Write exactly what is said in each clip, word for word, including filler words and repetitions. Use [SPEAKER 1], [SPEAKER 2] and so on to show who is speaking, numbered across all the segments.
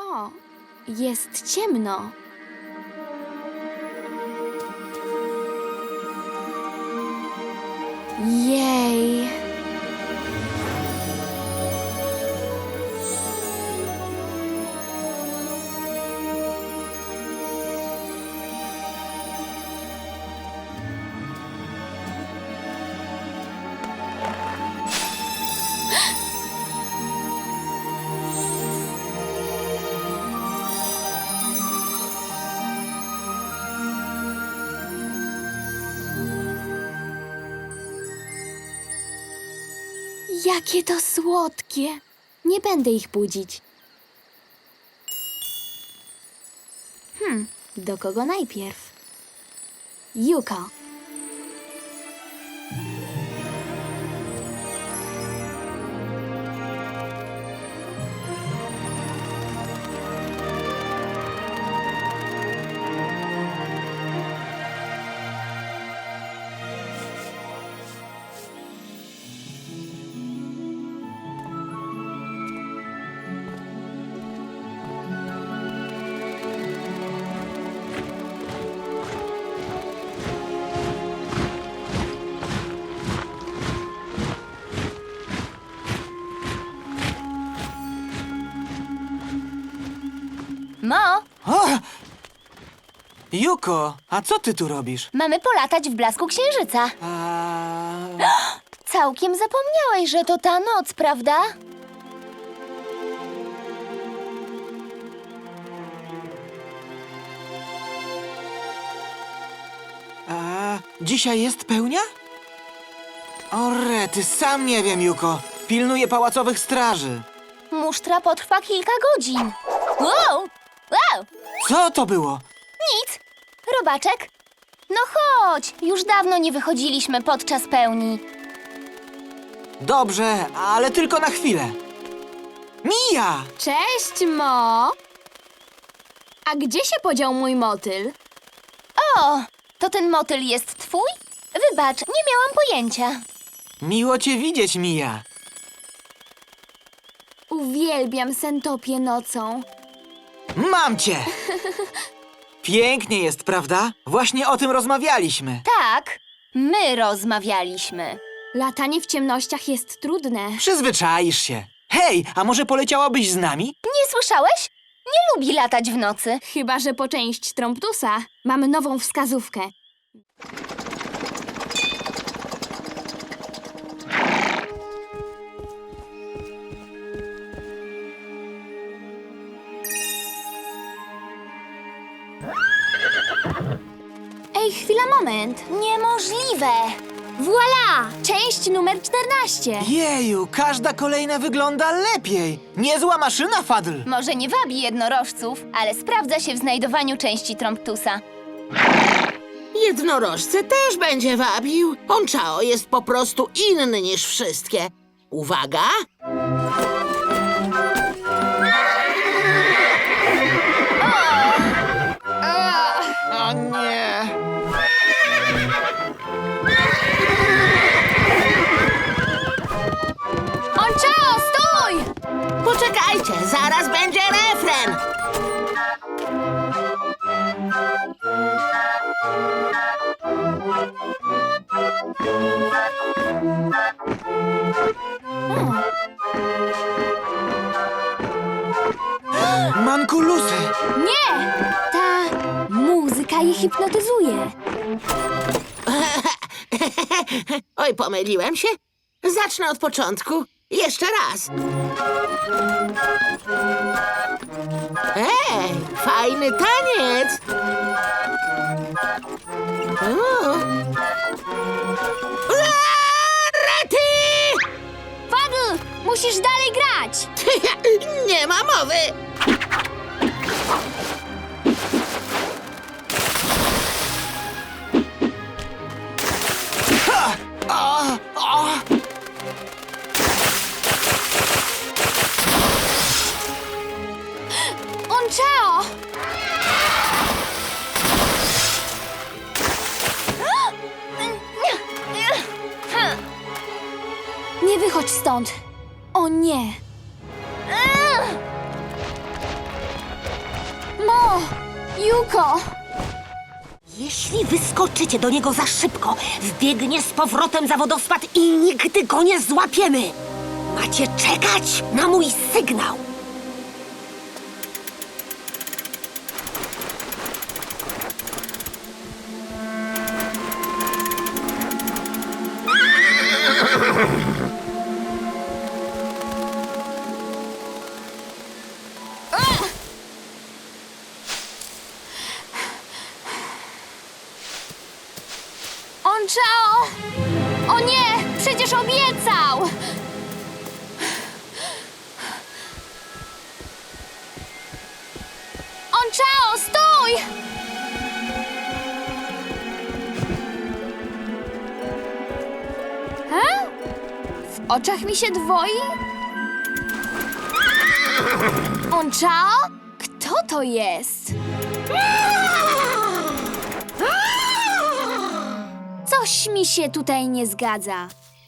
[SPEAKER 1] O, jest ciemno. Jej. Jakie to słodkie. Nie będę ich budzić. Hmm, do kogo najpierw? Yuko.
[SPEAKER 2] Mo,
[SPEAKER 3] O! Yuko, a co ty tu robisz?
[SPEAKER 2] mamy polatać w blasku księżyca.
[SPEAKER 3] A...
[SPEAKER 2] Całkiem zapomniałeś, że to ta noc, prawda?
[SPEAKER 3] A... Dzisiaj jest pełnia? O rety, sam nie wiem, Yuko. Pilnuję pałacowych straży.
[SPEAKER 2] Musztra potrwa kilka godzin. Wow! Wow!
[SPEAKER 3] Co to było?
[SPEAKER 2] Nic! Robaczek? No chodź! Już dawno nie wychodziliśmy podczas pełni.
[SPEAKER 3] Dobrze, ale tylko na chwilę. Mija!
[SPEAKER 1] Cześć, Mo. A gdzie się podział mój motyl?
[SPEAKER 2] O! To ten motyl jest twój? Wybacz, nie miałam pojęcia.
[SPEAKER 3] Miło cię widzieć, Mija.
[SPEAKER 1] Uwielbiam sentopię nocą.
[SPEAKER 3] Mam cię! Pięknie jest, prawda? Właśnie o tym rozmawialiśmy.
[SPEAKER 2] Tak, my rozmawialiśmy.
[SPEAKER 1] Latanie w ciemnościach jest trudne.
[SPEAKER 3] Przyzwyczaisz się. Hej, a może poleciałabyś z nami?
[SPEAKER 2] Nie słyszałeś? Nie lubi latać w nocy.
[SPEAKER 1] Chyba że po część Tromptusa. Mamy nową wskazówkę. Ej, chwila, moment.
[SPEAKER 2] Niemożliwe!
[SPEAKER 1] Voila! Część numer czternaście.
[SPEAKER 3] Jeju, każda kolejna wygląda lepiej. Niezła maszyna, Fadl.
[SPEAKER 2] Może nie wabi jednorożców, ale sprawdza się w znajdowaniu części Tromptusa.
[SPEAKER 4] Jednorożce też będzie wabił. Ponchao jest po prostu inny niż wszystkie. Uwaga!
[SPEAKER 3] O nie.
[SPEAKER 1] Onchao, stój!
[SPEAKER 4] Poczekajcie, zaraz będzie refren.
[SPEAKER 3] Mankulusy.
[SPEAKER 1] Nie! Ta muzyka je hipnotyzuje.
[SPEAKER 4] Oj, pomyliłem się. Zacznę od początku. Jeszcze raz. Ej, fajny taniec. O. Aaa, Rety!
[SPEAKER 1] Fadl, musisz dalej grać.
[SPEAKER 4] Nie ma mowy.
[SPEAKER 3] Ha! A, a.
[SPEAKER 1] Onchao! Nie wychodź stąd. O nie. Juko!
[SPEAKER 5] Jeśli wyskoczycie do niego za szybko, wbiegnie z powrotem za wodospad i nigdy go nie złapiemy. Macie czekać na mój sygnał.
[SPEAKER 1] Onchao! O nie! Przecież obiecał! Onchao, stój! He? W oczach mi się dwoi? Onchao? Kto to jest? Coś mi się tutaj nie zgadza.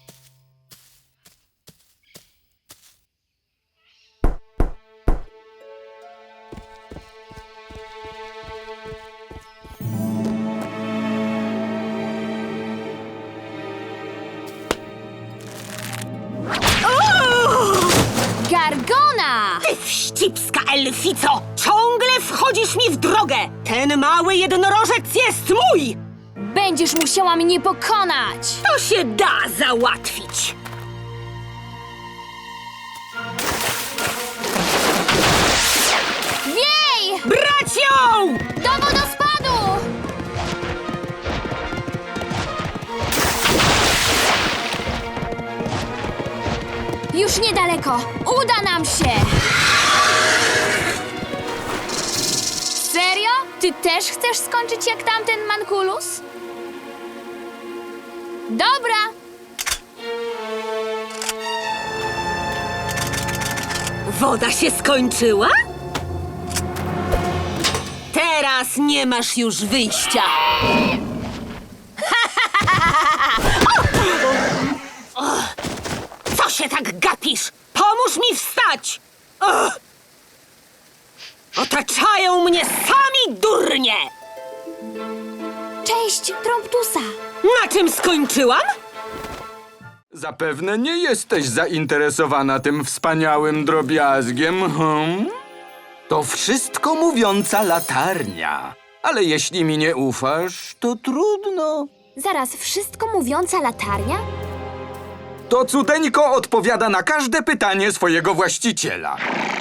[SPEAKER 1] Gargona!
[SPEAKER 5] Ty wścibska elfico! Ciągle wchodzisz mi w drogę! Ten mały jednorożec jest mój!
[SPEAKER 1] Będziesz musiała mnie pokonać!
[SPEAKER 5] To się da załatwić!
[SPEAKER 1] Wiej!
[SPEAKER 5] Brać ją!
[SPEAKER 1] Do wodospadu! Już niedaleko. Uda nam się! Serio? Ty też chcesz skończyć jak tamten Mankulus? Dobra!
[SPEAKER 5] Woda się skończyła? Teraz nie masz już wyjścia. O! Co się tak gapisz? Pomóż mi wstać! O! Otaczają mnie sami durnie!
[SPEAKER 1] Cześć, Tromptusa!
[SPEAKER 5] Na czym skończyłam?
[SPEAKER 6] Zapewne nie jesteś zainteresowana tym wspaniałym drobiazgiem, hmm? To wszystko mówiąca latarnia. Ale jeśli mi nie ufasz, to trudno.
[SPEAKER 1] Zaraz, wszystko mówiąca latarnia?
[SPEAKER 6] To cuteńko odpowiada na każde pytanie swojego właściciela.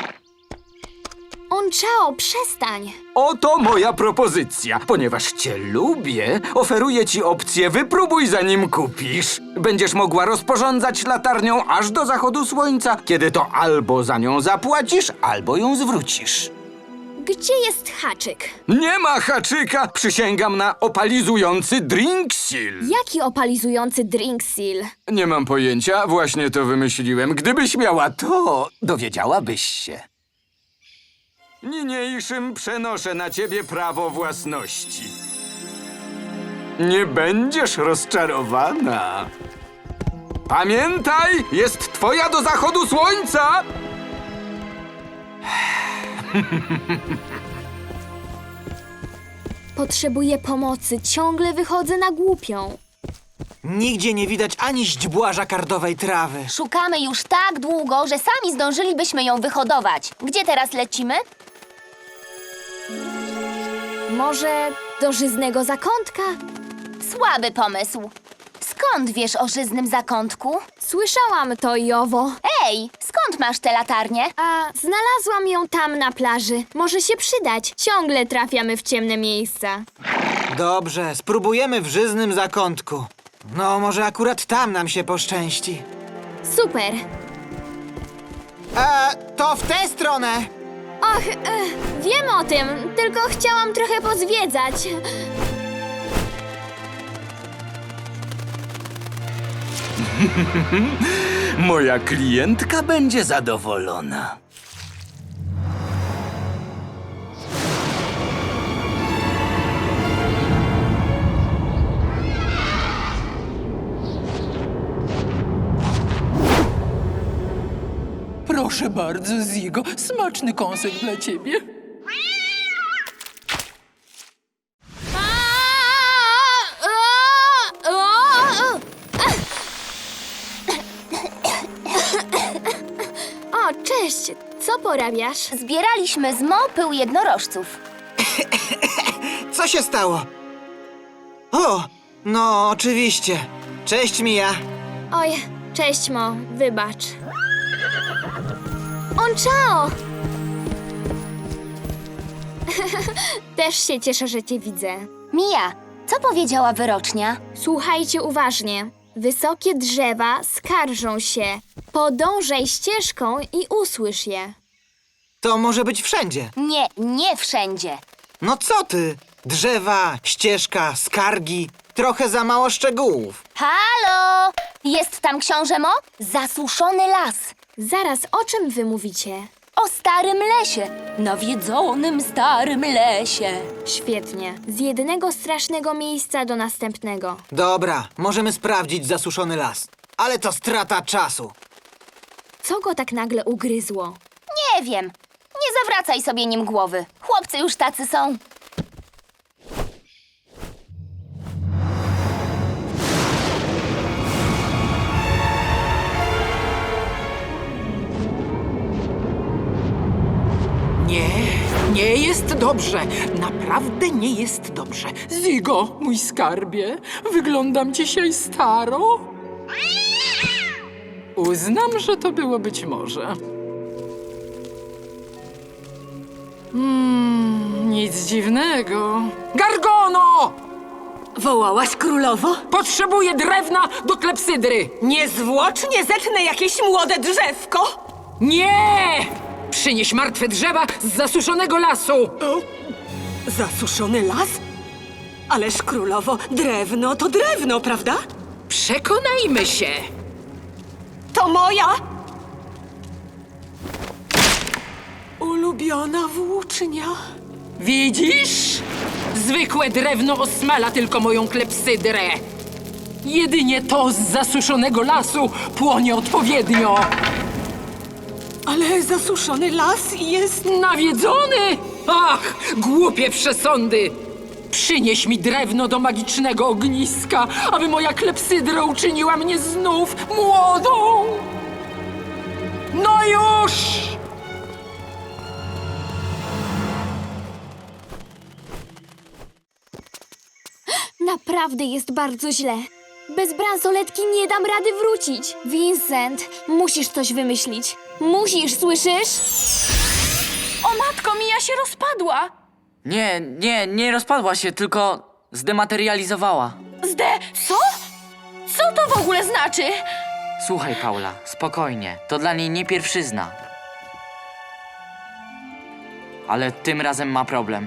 [SPEAKER 1] Onchao, przestań!
[SPEAKER 6] Oto moja propozycja. Ponieważ cię lubię, oferuję ci opcję wypróbuj zanim kupisz. Będziesz mogła rozporządzać latarnią aż do zachodu słońca, kiedy to albo za nią zapłacisz, albo ją zwrócisz.
[SPEAKER 1] Gdzie jest haczyk?
[SPEAKER 6] Nie ma haczyka! Przysięgam na opalizujący drink seal.
[SPEAKER 1] Jaki opalizujący drink seal?
[SPEAKER 6] Nie mam pojęcia, właśnie to wymyśliłem. Gdybyś miała to, dowiedziałabyś się. Niniejszym przenoszę na ciebie prawo własności. Nie będziesz rozczarowana. Pamiętaj, jest twoja do zachodu słońca!
[SPEAKER 1] Potrzebuję pomocy, ciągle wychodzę na głupią.
[SPEAKER 3] Nigdzie nie widać ani źdźbła żakardowej trawy.
[SPEAKER 2] Szukamy już tak długo, że sami zdążylibyśmy ją wyhodować. Gdzie teraz lecimy?
[SPEAKER 1] Może do żyznego zakątka?
[SPEAKER 2] Słaby pomysł. Skąd wiesz o żyznym zakątku?
[SPEAKER 1] Słyszałam to i owo.
[SPEAKER 2] Ej, skąd masz tę latarnię?
[SPEAKER 1] A znalazłam ją tam na plaży. Może się przydać. Ciągle trafiamy w ciemne miejsca.
[SPEAKER 3] Dobrze, spróbujemy w żyznym zakątku. No, może akurat tam nam się poszczęści.
[SPEAKER 1] Super.
[SPEAKER 3] E, to w tę stronę!
[SPEAKER 1] Och, e, wiem o tym, tylko chciałam trochę pozwiedzać.
[SPEAKER 6] Moja klientka będzie zadowolona.
[SPEAKER 7] Proszę bardzo, Zigo, smaczny kąsek dla ciebie.
[SPEAKER 1] porabiasz?
[SPEAKER 2] Zbieraliśmy z Mo pył jednorożców.
[SPEAKER 3] Co się stało? O, no oczywiście. Cześć, Mia.
[SPEAKER 1] Oj, cześć Mo, wybacz. Onchao! Też się cieszę, że cię widzę.
[SPEAKER 2] Mia, co powiedziała wyrocznia?
[SPEAKER 1] Słuchajcie uważnie. Wysokie drzewa skarżą się. Podążaj ścieżką i usłysz je.
[SPEAKER 3] To może być wszędzie.
[SPEAKER 2] Nie, nie wszędzie.
[SPEAKER 3] No co ty? Drzewa, ścieżka, skargi. Trochę za mało szczegółów.
[SPEAKER 2] Halo! Jest tam książę Mo? Zasuszony las.
[SPEAKER 1] Zaraz, o czym wy mówicie?
[SPEAKER 2] O starym lesie. Nawiedzonym starym lesie.
[SPEAKER 1] Świetnie. Z jednego strasznego miejsca do następnego.
[SPEAKER 3] Dobra, możemy sprawdzić zasuszony las. Ale to strata czasu.
[SPEAKER 1] Co go tak nagle ugryzło?
[SPEAKER 2] Nie wiem. Nie zawracaj sobie nim głowy. Chłopcy już tacy są.
[SPEAKER 7] Nie, nie jest dobrze. Naprawdę nie jest dobrze. Zigo, mój skarbie, wyglądam dzisiaj staro. Uznam, że to było być może. Mm, nic dziwnego. Gargono!
[SPEAKER 5] Wołałaś królowo?
[SPEAKER 7] Potrzebuję drewna do klepsydry.
[SPEAKER 5] Niezwłocznie zetnę jakieś młode drzewko.
[SPEAKER 7] Nie! Przynieś martwe drzewa z zasuszonego lasu.
[SPEAKER 5] Zasuszony las? Ależ królowo, drewno to drewno, prawda?
[SPEAKER 7] Przekonajmy się.
[SPEAKER 5] To moja ulubiona włócznia.
[SPEAKER 7] Widzisz? Zwykłe drewno osmala tylko moją klepsydrę. Jedynie to z zasuszonego lasu płonie odpowiednio.
[SPEAKER 5] Ale zasuszony las jest...
[SPEAKER 7] Nawiedzony? Ach, głupie przesądy! Przynieś mi drewno do magicznego ogniska, aby moja klepsydra uczyniła mnie znów młodą! No już!
[SPEAKER 1] Naprawdę jest bardzo źle. Bez bransoletki nie dam rady wrócić. Vincent, musisz coś wymyślić. Musisz, słyszysz?
[SPEAKER 2] O matko, Mia się rozpadła.
[SPEAKER 8] Nie, nie, nie rozpadła się, tylko zdematerializowała.
[SPEAKER 2] Zde... Co? Co to w ogóle znaczy?
[SPEAKER 8] Słuchaj, Paula, spokojnie. To dla niej nie pierwszyzna. Ale tym razem ma problem.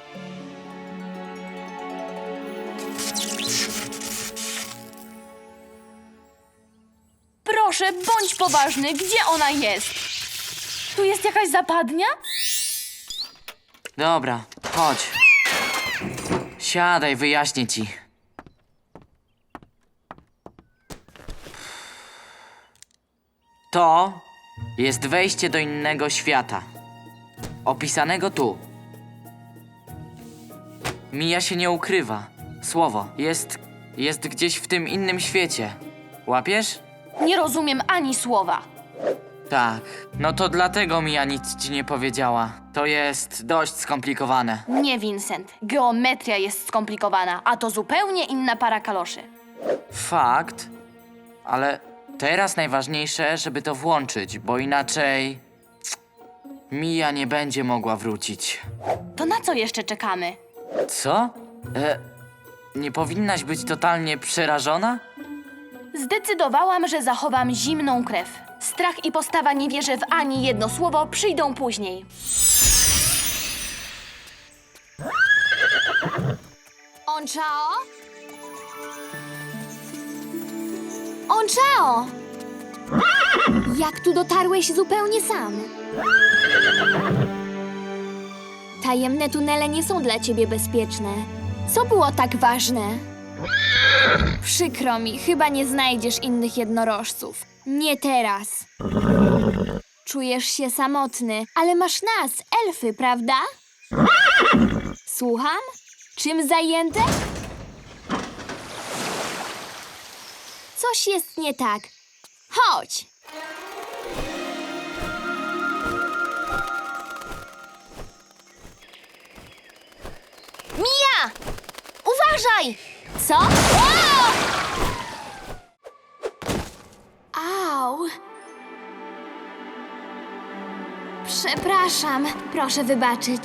[SPEAKER 2] Proszę, bądź poważny. Gdzie ona jest? Tu jest jakaś zapadnia?
[SPEAKER 8] Dobra, chodź. Siadaj, wyjaśnię ci. To jest wejście do innego świata. Opisanego tu. Mija się nie ukrywa. Słowo jest, jest gdzieś w tym innym świecie. Łapiesz?
[SPEAKER 2] Nie rozumiem ani słowa.
[SPEAKER 8] Tak. No to dlatego Mija nic ci nie powiedziała. To jest dość skomplikowane.
[SPEAKER 2] Nie, Vincent. Geometria jest skomplikowana, a to zupełnie inna para kaloszy.
[SPEAKER 8] Fakt, ale teraz najważniejsze, żeby to włączyć, bo inaczej Mija nie będzie mogła wrócić.
[SPEAKER 2] To na co jeszcze czekamy?
[SPEAKER 8] Co? E, nie powinnaś być totalnie przerażona?
[SPEAKER 2] Zdecydowałam, że zachowam zimną krew. Strach i postawa nie wierzę w ani jedno słowo, przyjdą później.
[SPEAKER 1] Onchao? Onchao! Jak tu dotarłeś zupełnie sam? Tajemne tunele nie są dla ciebie bezpieczne. Co było tak ważne? Przykro mi, chyba nie znajdziesz innych jednorożców. Nie teraz. Czujesz się samotny, ale masz nas, elfy, prawda? Słucham? Czym zajęte? Coś jest nie tak. Chodź! Uważaj! Co? O! Au! Przepraszam, proszę wybaczyć.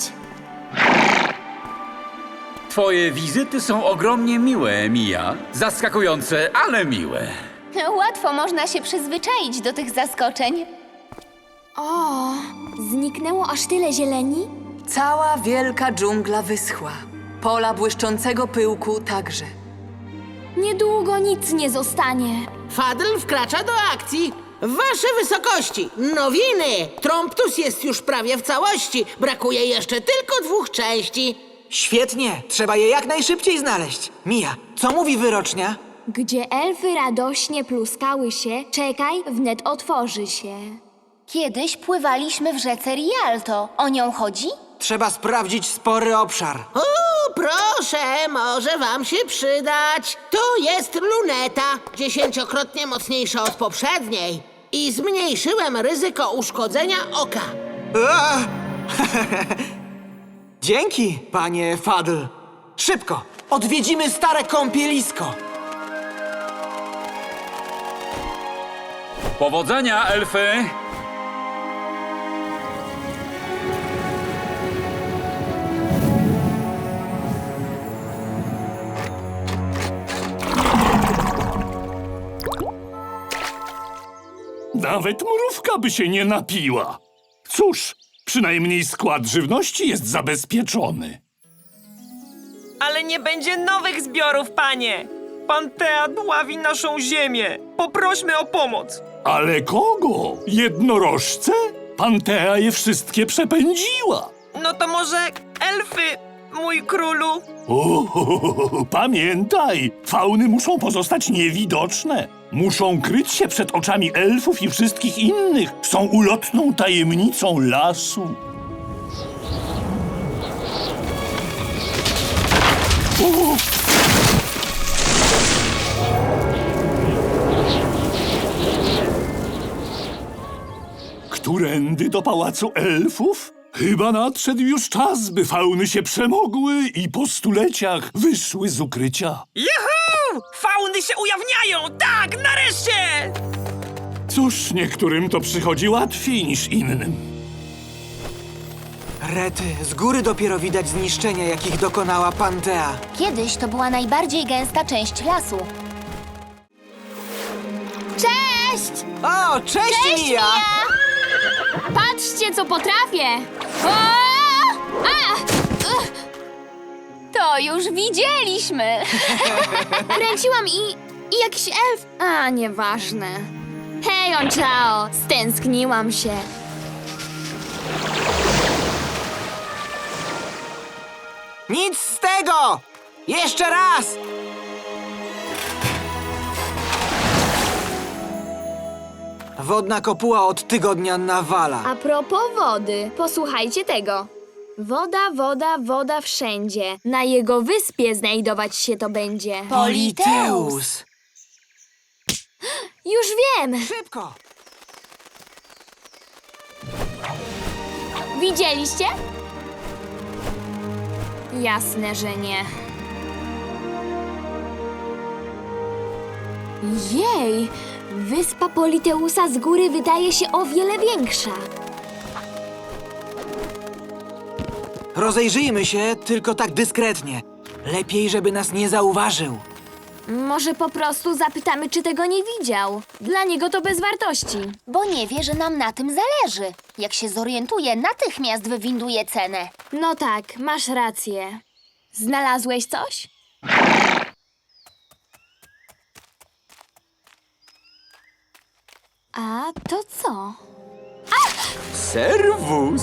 [SPEAKER 9] Twoje wizyty są ogromnie miłe, Mia. Zaskakujące, ale miłe.
[SPEAKER 2] Łatwo można się przyzwyczaić do tych zaskoczeń.
[SPEAKER 1] O, zniknęło aż tyle zieleni?
[SPEAKER 10] Cała wielka dżungla wyschła. Pola błyszczącego pyłku także.
[SPEAKER 1] Niedługo nic nie zostanie.
[SPEAKER 4] Fadl wkracza do akcji. Wasze wysokości, nowiny! Tromptus jest już prawie w całości. Brakuje jeszcze tylko dwóch części.
[SPEAKER 3] Świetnie, trzeba je jak najszybciej znaleźć. Mija, co mówi wyrocznia?
[SPEAKER 1] Gdzie elfy radośnie pluskały się, czekaj, wnet otworzy się.
[SPEAKER 2] Kiedyś pływaliśmy w rzece Rialto. O nią chodzi?
[SPEAKER 3] Trzeba sprawdzić spory obszar.
[SPEAKER 4] O, proszę, może wam się przydać. Tu jest luneta, dziesięciokrotnie mocniejsza od poprzedniej. I zmniejszyłem ryzyko uszkodzenia oka.
[SPEAKER 3] A! Dzięki, panie Fadl. Szybko, odwiedzimy stare kąpielisko.
[SPEAKER 9] Powodzenia, elfy!
[SPEAKER 11] Nawet mrówka by się nie napiła. Cóż, przynajmniej skład żywności jest zabezpieczony.
[SPEAKER 12] Ale nie będzie nowych zbiorów, panie! Pantea dławi naszą ziemię! Poprośmy o pomoc!
[SPEAKER 11] Ale kogo? Jednorożce? Pantea je wszystkie przepędziła.
[SPEAKER 12] No to może elfy, mój królu?
[SPEAKER 11] O, pamiętaj, fauny muszą pozostać niewidoczne. Muszą kryć się przed oczami elfów i wszystkich innych. Są ulotną tajemnicą lasu. O! Którędy do pałacu elfów? Chyba nadszedł już czas, by fauny się przemogły i po stuleciach wyszły z ukrycia.
[SPEAKER 12] Juhu! Fauny się ujawniają! Tak, nareszcie!
[SPEAKER 11] Cóż, niektórym to przychodzi łatwiej niż innym.
[SPEAKER 3] Rety, z góry dopiero widać zniszczenia, jakich dokonała Pantea.
[SPEAKER 2] Kiedyś to była najbardziej gęsta część lasu.
[SPEAKER 1] Cześć!
[SPEAKER 3] O, cześć, Mija!
[SPEAKER 1] Patrzcie, co potrafię! O! A! Ugh! To już widzieliśmy! Kręciłam i... i jakiś elf... A, nieważne. Hej, Onchao! Stęskniłam się.
[SPEAKER 3] Nic z tego! Jeszcze raz! Wodna kopuła od tygodnia nawala.
[SPEAKER 1] A propos wody, posłuchajcie tego. Woda, woda, woda wszędzie. Na jego wyspie znajdować się to będzie.
[SPEAKER 3] Politeus!
[SPEAKER 1] Już wiem!
[SPEAKER 3] Szybko!
[SPEAKER 1] Widzieliście? Jasne, że nie. Jej! Wyspa Politeusa z góry wydaje się o wiele większa.
[SPEAKER 3] Rozejrzyjmy się, tylko tak dyskretnie. Lepiej, żeby nas nie zauważył.
[SPEAKER 1] Może po prostu zapytamy, czy tego nie widział. Dla niego to bez wartości.
[SPEAKER 2] Bo nie wie, że nam na tym zależy. Jak się zorientuje, natychmiast wywinduje cenę.
[SPEAKER 1] No tak, masz rację. Znalazłeś coś? A to co?
[SPEAKER 6] Serwus!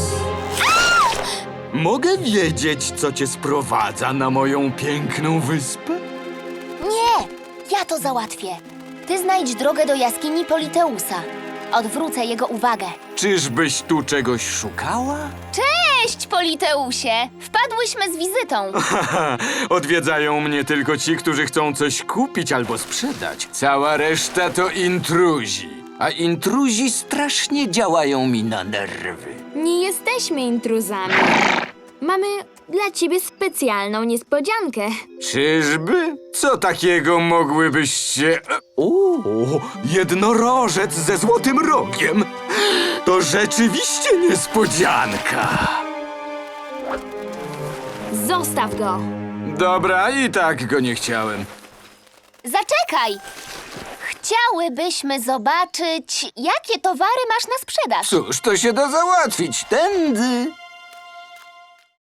[SPEAKER 6] Mogę wiedzieć, co cię sprowadza na moją piękną wyspę?
[SPEAKER 2] Nie, ja to załatwię. Ty znajdź drogę do jaskini Politeusa. Odwrócę jego uwagę.
[SPEAKER 6] Czyżbyś tu czegoś szukała?
[SPEAKER 2] Cześć, Politeusie! Wpadłyśmy z wizytą.
[SPEAKER 6] Haha, odwiedzają mnie tylko ci, którzy chcą coś kupić albo sprzedać. Cała reszta to intruzi. A intruzi strasznie działają mi na nerwy.
[SPEAKER 1] Nie jesteśmy intruzami. Mamy Dla ciebie specjalną niespodziankę.
[SPEAKER 6] Czyżby? Co takiego mogłybyście... O, jednorożec ze złotym rogiem. To rzeczywiście niespodzianka.
[SPEAKER 1] Zostaw go.
[SPEAKER 6] Dobra, i tak go nie chciałem.
[SPEAKER 2] Zaczekaj! Chciałybyśmy zobaczyć, jakie towary masz na sprzedaż.
[SPEAKER 6] Cóż, to się da załatwić. Tędy.